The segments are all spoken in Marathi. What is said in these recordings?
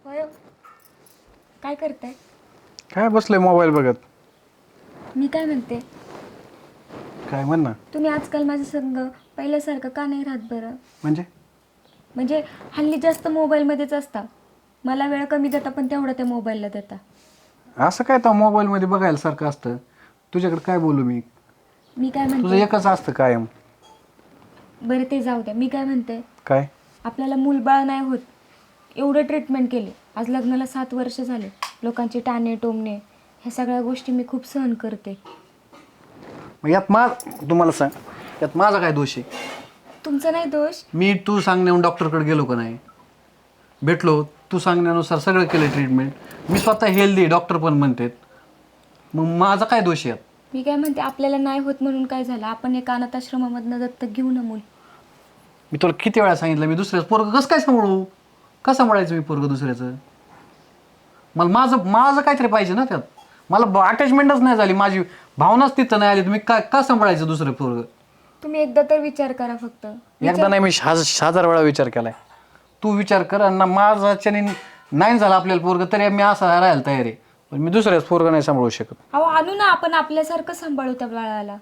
होय. काय करताय? काय बसलोय मोबाईल बघत. मी काय म्हणते, काय म्हण ना. तुम्ही आजकाल माझ्या संग पहिल्यासारखं का नाही राहत बरं? म्हणजे हल्ली जास्त मोबाईलमध्येच असता. मला वेळ कमी देता पण तेवढा त्या मोबाईलला देता. असं काय तर मोबाईलमध्ये बघायला सारखं असतं. तुझ्याकडे काय बोलू मी? मी काय तुझं म्हणते, एकच असतं कायम. बरं ते जाऊ द्या. मी काय म्हणते, काय आपल्याला मूलबाळ नाही होत एवढं ट्रीटमेंट केली. आज लग्नाला 7 वर्ष झाले. लोकांचे टाणे टोमणे ह्या सगळ्या गोष्टी मी खूप सहन करते. मग तुम्हाला सांग, यात माझा काय दोष आहे? तुमचा नाही दोष. मी तू सांगण्याहून डॉक्टरकडे गेलो का नाही? भेटलो, तू सांगण्यानुसार सगळं केलं ट्रीटमेंट. मी स्वतः हेल्दी, डॉक्टर पण म्हणतात. मग माझा काय दोष आहे यात? मी काय म्हणते, आपल्याला नाही होत म्हणून काय झालं? आपण एका अनाथाश्रमामधनं दत्तक घेऊ ना मूल. मी तुला किती वेळा सांगितलं, मी दुसऱ्याचं पोरगं कसं काय सांभाळू? कसं सांभाळायचं मी पोरगं दुसऱ्याचं? मला माझं काहीतरी पाहिजे ना त्यात. मला अटॅचमेंटच नाही झाली, माझी भावनाच तिथं नाही आली. तुम्ही का सांभाळायचं दुसरं पोरगं? तुम्ही एकदा तर विचार करा फक्त. एकदा नाही, मी 1000 वेळा विचार केलाय. तू विचार कर. आणि माझ्याच्याने नाही झालं आपल्याला पोरगं तरी मी असं राहायला तयार आहे. पण मी दुसऱ्याच पोरगं नाही सांभाळू शकत. अहो आणू ना, आपण आपल्यासारखं सांभाळू त्या बाळाला.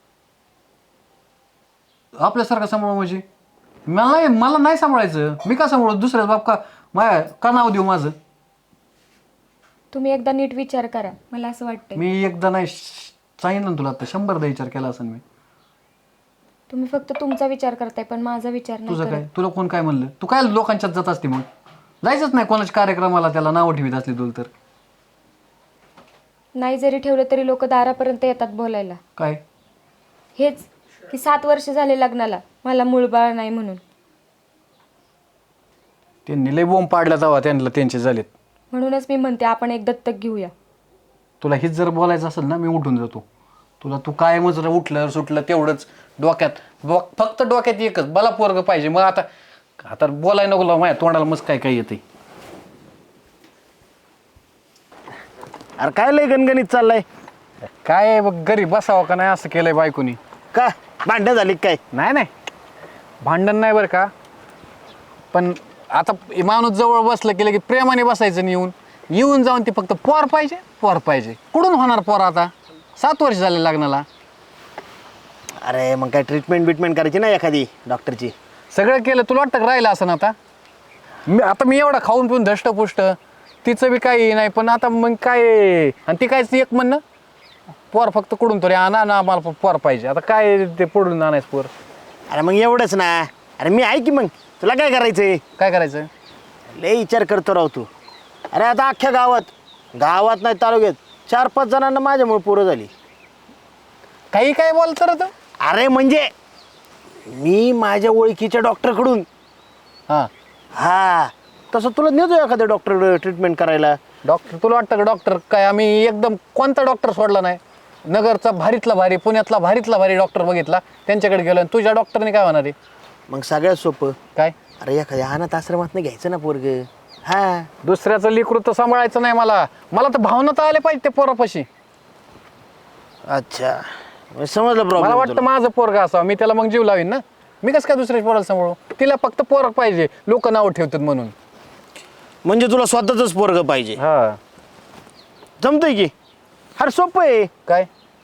आपल्यासारखं सांभाळू म्हणजे मला नाही सांभाळायचं. मी का सांभाळू? दुसऱ्याच बाप का नाव देऊ माझं? तुम्ही एकदा नीट विचार करा. मला असं वाटतंय मी एकदा नाही सांगितलं ना तुला, आता 100दा विचार केला असेल मी. तुम्ही फक्त तुमचा विचार करताय पण माझा विचार नाही तुझं करत. काय? तुला कोण काय म्हणलं? तू काय लोकांच्यात जात असते? मग जायचंच नाही कोणाच्या कार्यक्रमाला, त्याला नावं ठेवीत असली तुला तर. नाही जरी ठेवलं तरी लोक दारापर्यंत येतात बोलायला. काय हेच की 7 वर्ष झाले लग्नाला, मला मूळबाळ नाही म्हणून. त्यांनी लय बोंब पाडला तेव्हा त्यांचे झालेत. म्हणूनच मी म्हणते आपण एक दत्तक घेऊया. तुला हेच जर बोलायचं असेल ना, मी उठून जातो. तुला कायमच उठलं सुटलं तेवढंच डोक्यात. फक्त डोक्यात एकच, मला पोरगं पाहिजे. मग आता बोलायला नको माझ्या तोंडाला मस्त काय येते. अरे काय लय गणगणित चाललाय? काय बघ, घरी बसावं का नाही असं केलंय बायकोनी. का भांडण झाली काय? नाही भांडण नाही बरं का. पण आता माणूस जवळ बसलं केलं की प्रेमाने बसायचं नाही. येऊन जाऊन ती फक्त पोर पाहिजे. कुठून होणार पोर? आता 7 वर्ष झाले लग्नाला. अरे मग काय ट्रीटमेंट करायची ना एखादी डॉक्टरची? सगळं केलं, तुला वाटतं राहिलं असं ना? आता मी एवढा खाऊन पिऊन धष्टपुष्ट, तिचं बी काही नाही. पण आता मग काय? आणि ती काय एक म्हणणं, पोर फक्त कुठून तरी आणा ना, आम्हाला पोर पाहिजे. आता काय ते पुढून आणायचं पोर? अरे मग एवढंच ना. अरे मी आहे की, मग तुला काय करायचंय? काय करायचं? लय विचार करतो राव तू. अरे आता अख्ख्या गावात नाही तालुक्यात 4-5 जणांना माझ्यामुळे पोरं झाली. काय बोलतो रे तू? अरे म्हणजे मी माझ्या ओळखीच्या डॉक्टरकडून. हा तसं तुला नेतो एखाद्या डॉक्टर ट्रीटमेंट करायला. डॉक्टर तुला वाटतं का? डॉक्टर काय आम्ही एकदम कोणता डॉक्टर सोडला नाही? नगरचा भारीतला भारी, पुण्यातला भारीतला भारी डॉक्टर बघितला, त्यांच्याकडे गेलो. आणि तुझ्या डॉक्टरने काय होणार आहे? मग सगळ्यात सोपं काय? अरे एखाद्या अनाथ आश्रमात घ्यायचं ना पोरग. हा दुसऱ्याचं लेकरू तर सांभाळायचं नाही. मला तर भावना तर आले पाहिजे त्या पोरापाशी. अच्छा समजलं मला प्रॉब्लेम. वाटतं माझं पोरगा असावं, मी त्याला मग जीव लावीन ना. मी कसं काय दुसऱ्याच्या पोराला सांभाळू? तिला फक्त पोरग पाहिजे, लोक नाव ठेवतात म्हणून. म्हणजे तुला स्वतःच पोरग पाहिजे? हा जमतंय की. अरे सोपं आहे. काय?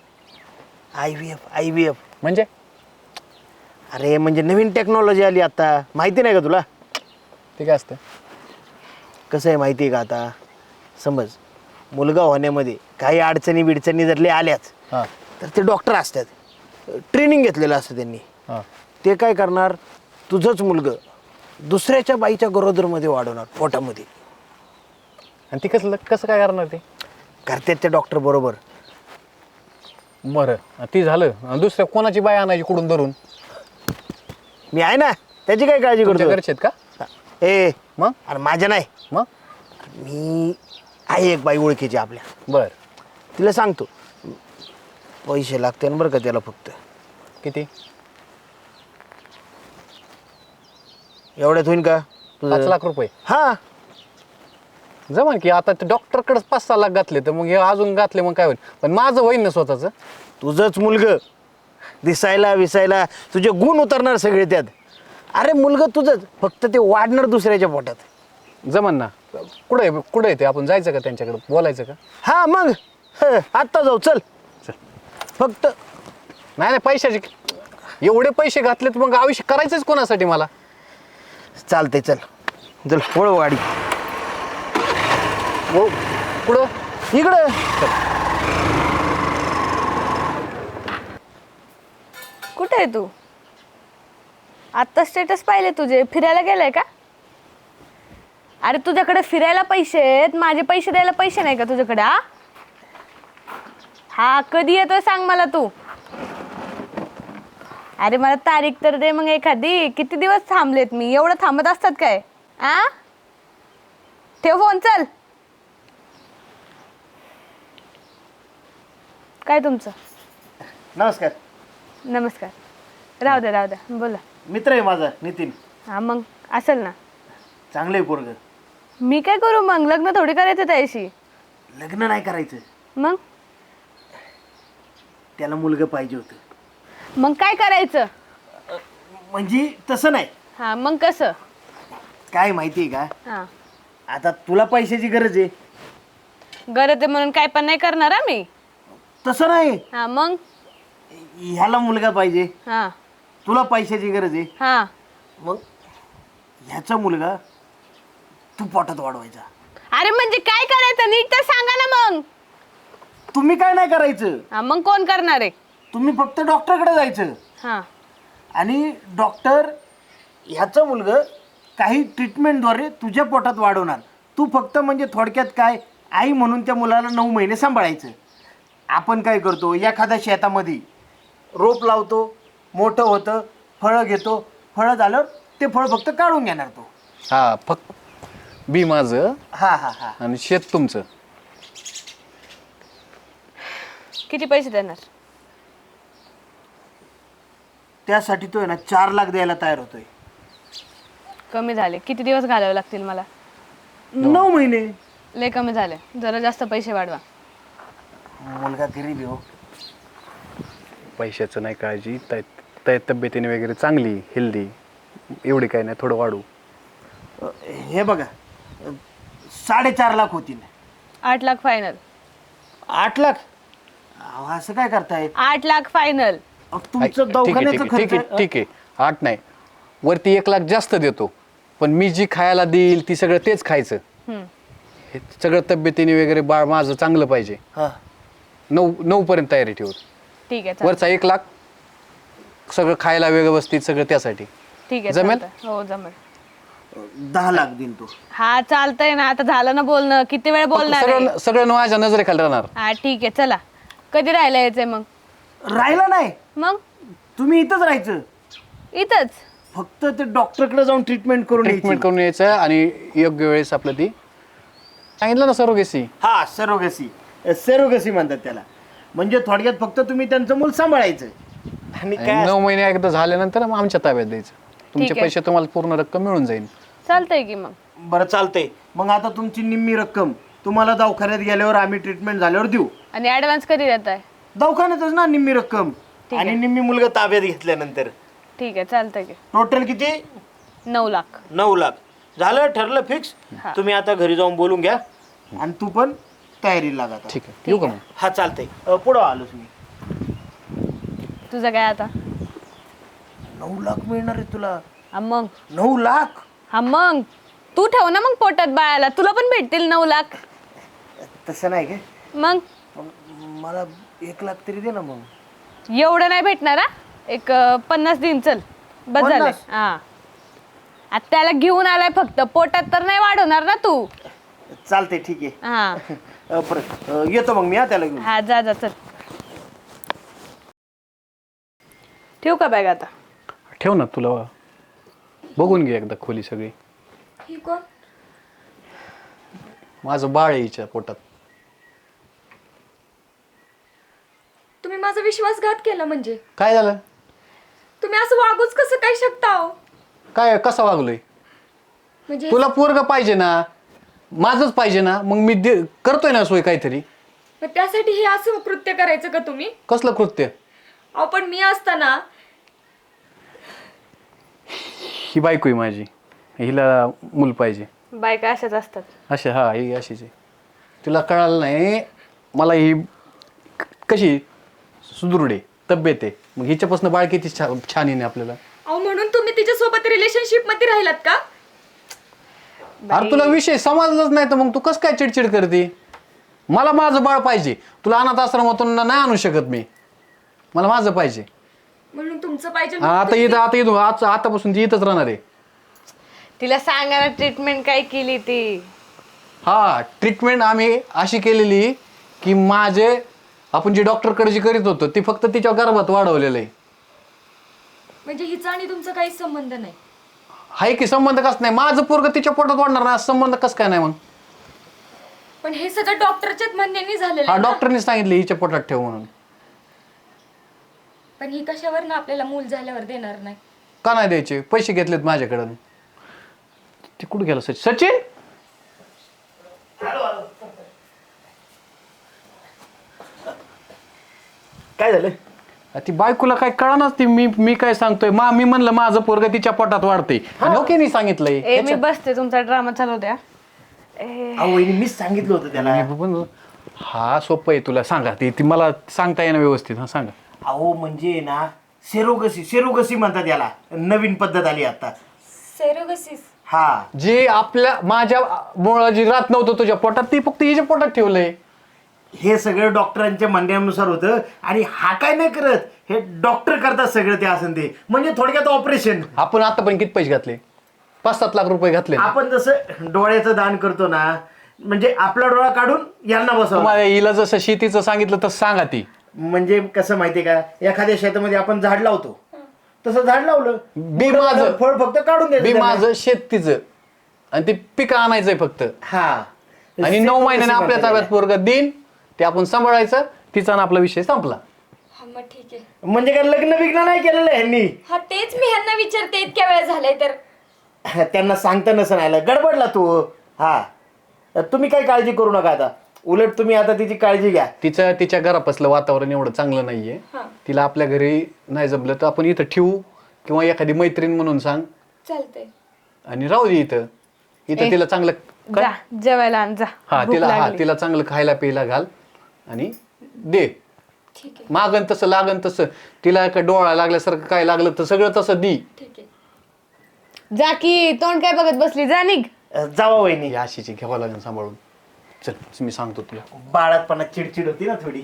IVF म्हणजे? अरे म्हणजे नवीन टेक्नॉलॉजी आली आता, माहिती नाही का तुला? ते काय असतं? कसं आहे माहिती आहे का? आता समज मुलगा होण्यामध्ये काही अडचणी जर आल्याच हां तर ते डॉक्टर असतात, ट्रेनिंग घेतलेलं असतं त्यांनी. हां ते काय करणार, तुझंच मुलगं दुसऱ्याच्या बाईच्या गरोदरमध्ये वाढवणार, पोटामध्ये. आणि ती कसं काय करणार? ते करतात ते डॉक्टर बरोबर. बरं ती झालं. आणि दुसऱ्या कोणाची बाई आणायची कुठून धरून? मी आहे ना, त्याची काय काळजी तुमच्या करतो? घरचे आहेत का? ए मग अरे माझ्या नाही, मग मी आहे एक बाई ओळखीची आपल्या. बर तिला सांगतो, पैसे लागते ना बरं का त्याला. फक्त किती? एवढ्यात होईल का 5 लाख रुपये? हा जमा की. आता डॉक्टरकडेच 5-6 लाख घातले तर मग हे अजून घातले मग काय होईल? पण माझं होईल ना स्वतःचं. तुझंच मुलगं दिसायला विसायला, तुझे गुण उतरणार सगळे त्यात. अरे मुलगं तुझंच, फक्त ते वाढणार दुसऱ्याच्या पोटात. जमन ना. कुठं येते आपण जायचं का त्यांच्याकडे बोलायचं का? हा मग आत्ता जाऊ चल. चल. फक्त नाही नाही पैशाचे एवढे पैसे घातलेत मग आयुष्य करायचंच कोणासाठी मला? चालते चल चल वळव गाडी हो कुठं? इकडं. कुठे आहे तू? आत्ता स्टेटस पाहिले तुझे, फिरायला गेलाय का? अरे तुझ्याकडे फिरायला पैसे आहेत, माझे पैसे द्यायला पैसे नाही का तुझ्याकडे? हा कधी येतोय सांग मला तू. अरे मला तारीख तर दे मग एखादी. किती दिवस थांबलेत मी, एवढं थांबत असतात काय? ठेव फोन चल. काय तुमचं? नमस्कार. नमस्कार. राहू द्या बोला. मित्र आहे माझा नितीन. हा मग असेल ना. चांगलं आहे पोरग. मी काय करू मग? लग्न थोडी करायचं त्याशी. लग्न नाही करायचं, मग त्याला मुलगा पाहिजे होतं. मग काय करायचं? म्हणजे तसं नाही. हा मग कसं? काय माहिती आहे का, हा आता तुला पैशाची गरज आहे. गरज आहे म्हणून काय पण नाही करणार हा मी. तसं नाही, हा मग. ह्याला मुलगा पाहिजे, हा तुला पैशाची गरज आहे. हा मग ह्याचा मुलगा तू पोटात वाढवायचा. अरे म्हणजे काय करायचं नीट तर सांगा ना मग. तुम्ही काय नाही करायचं, हा मग कोण करणार आहे? तुम्ही फक्त डॉक्टरकडे जायचं हा आणि डॉक्टर ह्याचं मुलगा काही ट्रीटमेंटद्वारे तुझ्या पोटात वाढवणार. तू फक्त म्हणजे थोडक्यात काय, आई म्हणून त्या मुलाला 9 महिने सांभाळायचं. आपण काय करतो, एखाद्या शेतामध्ये रोप लावतो, मोठं होतं, फळं घेतो, फळं झालं ते फळ फक्त काढून घेणार तो. हा फक्त बी माझं हा हा हा. आणि शेत तुमचं. किती पैसे देणार? त्यासाठी तो आहे ना 4 लाख द्यायला तयार होतोय. कमी झाले. किती दिवस घालावे लागतील मला? 9 महिने. लय कमी झाले, जरा जास्त पैसे वाढवा. मुलगा गरीब आहे हो. पैशाचं नाही काळजी, तब्येतीने वगैरे चांगली हेल्दी, एवढी काय नाही, थोडं वाढू. हे बघा 4.5 लाख होतील. 8 लाख फायनल. 8 लाख? अहो, असं काय करताय? 8 लाख फायनल. तुमचं ठीक आहे, दवाखान्याचं ठीक आहे, ठीक खर्च. आहे, ठीक आहे. 8 नाही, वरती 1 लाख जास्त देतो, पण मी जी खायला देईल ती सगळं तेच खायचं. हे सगळं तब्येतीने वगैरे बाळ माझं चांगलं पाहिजे. हा. 9 पर्यंत तयारी ठेवत. ठीक आहे चालतंय. वरचा 1 लाख सगळं खायला व्यवस्थित सगळं त्यासाठी. ठीक आहे जमेल? चालतंय. हो जमेल. 10 लाख देईन तो. हा चालतंय ना. आता झालं ना बोलणं, किती वेळ बोलणार आहे? सगळं माझ्या नजरेखाली राहणार. हा ठीक आहे चला. कधी राहायला यायचंय मग? राहिला नाही, मग तुम्ही इथंच राहायचं. इथंच. फक्त ते डॉक्टरकडे जाऊन ट्रीटमेंट करून ट्रीटमेंट यायची. करून यायचं आणि योग्य वेळेस आपलं ती सांगितलं ना सरोगेसी. हा सरोगसी. सेरोगसी म्हणतात त्याला. म्हणजे थोडक्यात फक्त तुम्ही त्यांचं मूल सांभाळायचं आणि काय 9 महिने एकदा झाल्यानंतर मग आमच्या ताब्यात द्यायचं. तुमचे आहे. पैसे तुम्हाला पूर्ण रक्कम मिळून जाईल. चालतंय की मग. बरं चालतंय. मग आता तुमची निम्मी रक्कम तुम्हाला दवाखान्यात गेल्यावर आम्ही ट्रीटमेंट झाल्यावर देऊ. आणि ऍडव्हान्स कधी देताय? दवाखान्यातच ना निम्मी रक्कम ठीक आणि आहे. निम्मी मुलगा ताब्यात घेतल्यानंतर. ठीक आहे चालतंय की. टोटल किती? 9 लाख. 9 लाख. झालं, ठरलं फिक्स. हा. तुम्ही आता घरी जाऊन बोलून घ्या आणि तू पण तयारीला लागा आता. ठीक आहे, येऊ का मग? हा चालतंय. पुढं आलोच मी. तुझं काय आता? 9 लाख मिळणार आहे तुला. हा मग. 9 लाख? हा मग तू ठेव ना मग पोटात बाळाला, तुला पण भेटतील 9 लाख. तसं नाही काय, मग मला 1 लाख तरी दे ना मग. एवढं नाही भेटणार हा. एक 50 दिन चल बस झालं. 50? हा आता त्याला घेऊन आलाय फक्त, पोटात तर नाही वाढवणार ना तू. चालतंय ठीक आहे. हा परत येतो मग मी त्याला घेऊन. हा जा चल. ठेवू का बॅग आता? ठेव ना, तुला बघून घे एकदा खोली सगळी. ही कोण? माझं बाळ आहे हिच्या पोटात. तुम्ही माझा विश्वासघात केला म्हणजे? काय झालं? तुम्ही असं वागूच कसं काय शकता हो? काय कसं वागलोय? म्हणजे तुला पोरग पाहिजे ना, माझंच पाहिजे ना, मग मी करतोय ना सोय काहीतरी. मग त्यासाठी हे असं कृत्य करायचं का तुम्ही? कसलं कृत्य? अहो पण मी असताना. ही बायको आहे माझी, हिला मूल पाहिजे. बायका अशाच असतात. अशा हा ही अशीच आहे. तुला कळालं नाही मला ही कशी सुदृढ आहे तब्येत आहे मग हिच्यापासून बाळ किती छान आहे आपल्याला. अहो म्हणून तुम्ही तिच्यासोबत रिलेशनशिप मध्ये राहिलात का? अरे तुला विषय समजलाच नाही तर मग तू कसं काय चिडचिड करते. मला माझं बाळ पाहिजे. तुला अनाथ आश्रमातून नाही आणू शकत मी. मला माझं पाहिजे. म्हणून तुमचं पाहिजे. हा, आता आतापासून ती इथंच राहणार आहे. तिला सांगा ना ट्रीटमेंट काय केली ती. हा ट्रीटमेंट आम्ही अशी केलेली की माझे आपण जी डॉक्टरकडे जी करीत होतो ती फक्त तिच्या गर्भात वाढवलेलं आहे. म्हणजे हिचा आणि तुमचा काहीच संबंध नाही. हाय की संबंध कस नाही. माझं पोरग तिच्या पोटात वाढणार नाही संबंध कस काय नाही मग. पण हे सगळं डॉक्टरच्याच म्हणण्याने झालेलं हा आहे ना? डॉक्टरने सांगितलं हिच्या पोटात ठेव म्हणून. पण ही कशावर ना आपल्याला मूल झाल्यावर देणार नाही. का नाही द्यायचे. पैसे घेतलेत माझ्याकडून. ते कुठं गेलं सचिन. काय झालं? ती बायकोला काय कळणार ती मी काय सांगतोय मी म्हणलं माझं पोरग तिच्या पोटात वाढते ओके नाही सांगितलंय. ए मी बसते तुमचा ड्रामा चालू द्या. अहो वहिनी मीच सांगितलं होतं त्याला. हा सोपं आहे तुला सांगा ती मला सांगता येणं व्यवस्थित. हा सांगा. अहो म्हणजे ना सेरोगसी म्हणतात याला. नवीन पद्धत आली आता. सेरोगसिस. हा जे माझ्या मुळे जी राहत नव्हतं तुझ्या पोटात ती फक्त हिच्या पोटात ठेवलंय. हे सगळं डॉक्टरांच्या म्हणण्यानुसार होतं आणि हा काय नाही करत. हे डॉक्टर करतात सगळं ते असं ते. म्हणजे थोडक्यात ऑपरेशन. आपण आता पण किती पैसे घातले. 5-7 लाख रुपये घातले. आपण जसं डोळ्याचं दान करतो ना म्हणजे आपला डोळा काढून यांना बसवतो. तुम्हाला हिला जसं शेतीचं सांगितलं तसं सांगा ती. म्हणजे कसं माहितीये का एखाद्या शेतामध्ये आपण झाड लावतो तसं झाड लावलं बी माझं फळ फक्त काढून बी द्यायचं. माझं शेत तिचं आणि ते पीक आणायचंय फक्त. हा आणि 9 महिन्याने आपल्या ताब्यात पोरग देईन ते आपण सांभाळायचं. तिचा आणि आपला विषय संपला. हा मग ठीक आहे. म्हणजे काय लग्न बिग्न नाही केलेलं ह्यांनी. हा तेच मी ह्यांना विचारते इतक्या वेळ झालाय तर. त्यांना सांगता नसं आलं गडबडला तू. हा तुम्ही काही काळजी करू नका आता. उलट तुम्ही आता तिची काळजी घ्या. तिच्या घरापासलं वातावरण एवढं चांगलं नाहीये. तिला आपल्या घरी नाही जमलं तर आपण इथं ठेवू किंवा एखादी मैत्रीण म्हणून सांग चालतंय. आणि राहू दे इथं तिला चांगलं जा जेवायला आण जा. हा भूक लागली. तिला चांगलं खायला प्यायला घाल आणि दे. ठीक आहे. मागन तसं लागन तसं. तिला काय डोळा लागल्यासारखं काय लागलं तर सगळं तसं दी. ठीक आहे. जा की तोंड काय बघत बसली. जा निघ. जावा वहिनी. अशीची घ्यावं लागेल सांभाळून. चल मी सांगतो तुला. बाळातपणा चिडचिड होती ना थोडी.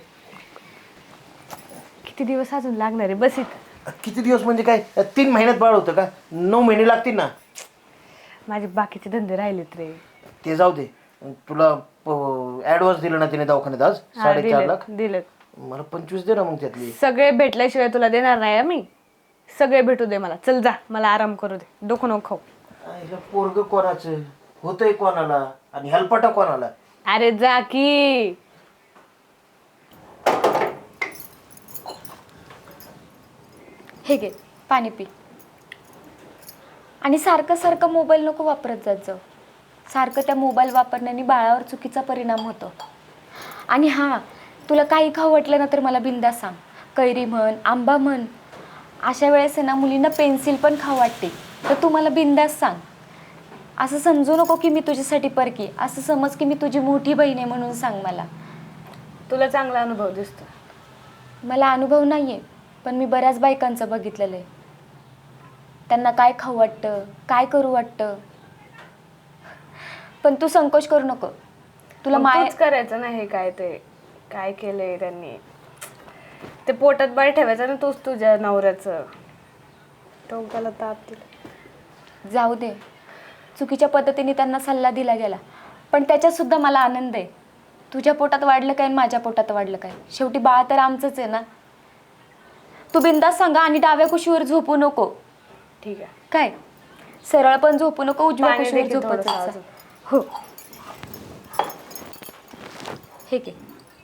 किती दिवस अजून लागणार आहे. बस इथं. किती दिवस म्हणजे काय 3 महिन्यात बाळ होतं का? 9 महिने लागतील ना. माझे बाकीचे धंदे राहिलेत रे. ते जाऊ दे. तुला ऍडव्हान्स दिलं ना तिने दवाखान्यात आज हा, 4.5 लाख. दिलेत. मला 25 दे ना मग त्यातली. सगळे भेटल्याशिवाय तुला देणार नाही हं मी. सगळे भेटू दे मला. चल जा मला आराम करू दे. डोकं नको खाऊ. पोरग कोणाचं होतंय कोणाला आणि हेल्पटा कोणाला. अरे जा की. हे घे पाणी पी. आणि सारखं सारखं मोबाईल नको वापरत जात जाऊ. सारखं त्या मोबाईल वापरण्याने बाळावर चुकीचा परिणाम होतो. आणि हां तुला काही खाऊ वाटलं ना तर मला बिंदास सांग. कैरी म्हण आंबा म्हण. अशा वेळेस आहे ना मुलींना पेन्सिल पण खाऊ वाटते तर तू मला बिंदास सांग. असं समजू नको की मी तुझ्यासाठी परकी. असं समज की मी तुझी मोठी बहीण आहे म्हणून सांग मला. तुला चांगला अनुभव दिसतो. मला अनुभव नाही आहे पण मी बऱ्याच बायकांचं बघितलेलं आहे. त्यांना काय खाऊ वाटतं काय करू वाटतं. पण तू संकोच करू नको. तुला माय तूच करायचं ना हे काय ते काय केलंय त्यांनी. ते पोटात बाळ ठेवायचं ना तूच तुझ्या नवऱ्याचं. टोकाला ताप दिला. जाऊ दे. चुकीच्या पद्धतीने त्यांना सल्ला दिला गेला पण त्याच्यात सुद्धा मला आनंद आहे. तुझ्या पोटात वाढलं काय आणि माझ्या पोटात वाढलं काय शेवटी बाळ तर आमचंच आहे ना. तू बिंदास सांगा आणि डाव्या कुशीवर झोपू नको. ठीक आहे. काय सरळ पण झोपू नको उजव्या पाणी कुशीवर देखील झोपत थोडंसं जा. अजून. हो हे घे.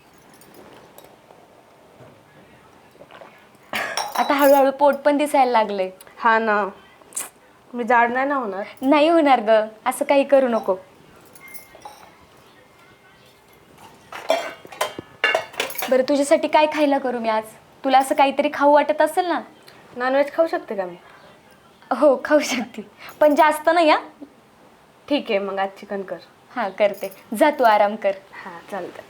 आता हळूहळू पोट पण दिसायला लागलंय. हा ना. मी जाड नाही ना होणार. नाही होणार ग. असं काही करू नको. बरं तुझ्यासाठी काय खायला करू मी आज. तुला असं काहीतरी खाऊ वाटत असेल ना. नॉनव्हेज खाऊ शकते का मी. हो खाऊ शकते पण जास्त नाही. हा ठीक आहे, मग आज चिकन कर. हां करते, जा तू आराम कर. हां चालतं.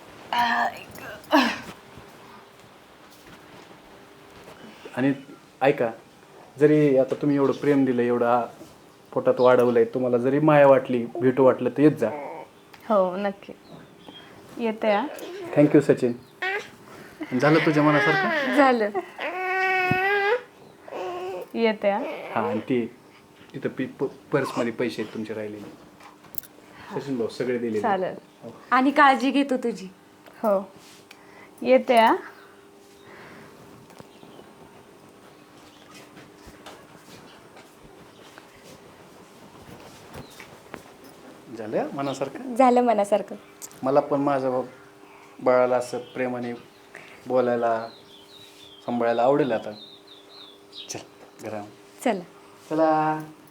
आणि ऐका, जरी आता तुम्ही एवढं प्रेम दिलं, एवढं पोटात वाढवलंय, तुम्हाला जरी माया वाटली, भेटू वाटलं तर येत जा. हो नक्की येते. हा थँक्यू सचिन. झालं तुझ्या मनासारखं? झालं. येते. हा हां, आणि ते तिथं पर्समध्ये पैसे आहेत तुमचे राहिलेले. सचिन भाऊ सगळे दिले. चालेल. आणि काळजी घेतो तुझी. हो येते. हा झालं मनासारखं. झालं मनासारखं. मला पण माझ्या बाळाला असं प्रेमाने बोलायला, सांभाळायला आवडेल आता. चल घरा. चला. चला.